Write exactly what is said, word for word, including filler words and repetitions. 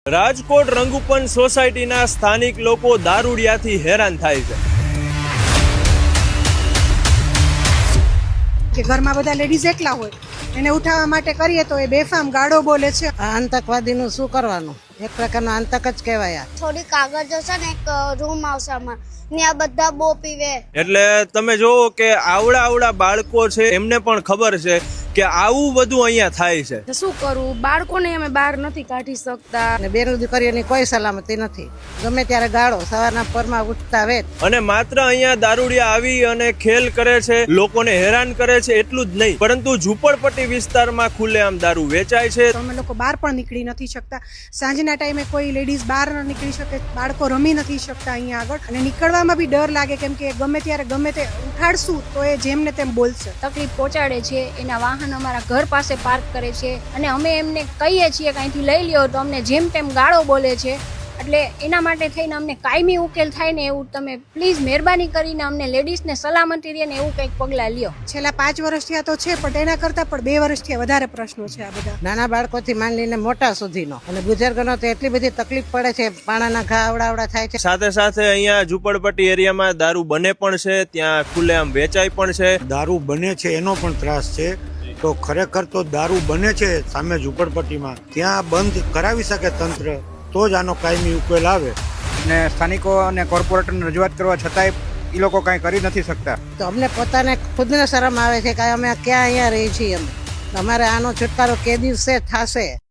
રાજકોટ રંગુપન સોસાયટીના સ્થાનિક લોકો દારૂડિયાથી હેરાન થાય છે. કે ઘરમાં બધા લેડીઝ એકલા હોય, એને ઉઠાવવા માટે કરીએ તો એ બેફામ ગાળો બોલે છે. આ આતંકવાદીનું શું કરવાનું? એક પ્રકારનો આતંક જ કહેવાય. થોડી કાગળ જશે ને એક રૂમ આવશે આમાં ને આ બધા બો પીવે. એટલે તમે જોવો કે આવડા આવડા બાળકો છે, એમને પણ ખબર છે કે આવું બધું અહીંયા થાય છે. શું કરવું? બાળકોને અમે બહાર નથી કાઢી શકતા અને બેન દીકરીઓની કોઈ સલામતી નથી. ગમે ત્યારે ગાળો સવારના પરમાં ઉઠતા વેત. અને માત્ર અહીંયા દારૂડિયા આવી અને ખેલ કરે છે, લોકોને હેરાન કરે છે એટલું જ નહીં, પરંતુ ઝૂંપડપટ્ટી વિસ્તારમાં ખુલ્લેઆમ દારૂ વેચાય છે. તો અમે લોકો બહાર પણ નીકળી નથી શકતા. સાંજના ટાઈમે કોઈ લેડીઝ બહાર ન નીકળી શકે, બાળકો રમી નથી શકતા અહીંયા આગળ, અને નીકળવામાં બી ડર લાગે કેમ કે ગમે ત્યારે ગમે તે ઉઠાડશું તો એ જેમને તેમ બોલશે. તકલીફ પહોંચાડે છે. એના વાહન અમારા ઘર પાસે પાર્ક કરે છે અને અમે એમને કહીએ છીએ કે અહીંથી લઈ લ્યો તો અમને જેમ તેમ ગાળો બોલે છે. એટલે એના માટે થઈને અમને કાયમી ઉકેલ થાય ને એવું તમે પ્લીઝ મહેરબાની કરીને અમને લેડીઝને સલામતી રહે ને એવું કંઈક પગલાં લ્યો. છેલ્લા પાંચ વર્ષ થયા તો છે, પણ એના કરતાં પણ બે વર્ષથી વધારે પ્રશ્નો છે આ બધા. નાના બાળકોથી માંડીને મોટા સુધીનો, અને બુઝુર્ગોનો તો એટલી બધી તકલીફ પડે છે, પાણાના ઘા આવડાવડા થાય છે. સાથે સાથે અહીંયા ઝૂંપડપટ્ટી એરિયામાં દારૂ બને પણ છે, ત્યાં ખુલ્લેઆમ વેચાય પણ છે. દારૂ બને છે એનો પણ ત્રાસ છે. તો ખરેખર તો દારૂ બને છે સામે ઝૂંપડપટ્ટીમાં, ત્યાં બંધ કરાવી શકે તંત્ર, તો જ આનો કાયમી ઉકેલ આવે. ને સ્થાનિકો અને કોર્પોરેટરને રજૂઆત કરવા છતાંય એ લોકો કાંઈ કરી નથી શકતા. તો અમને પોતાને ખુદને શરમ આવે છે કે અમે ક્યાં અહીંયા રહી છીએ. અમે અમારે આનો છુટકારો કે દિવસે થશે.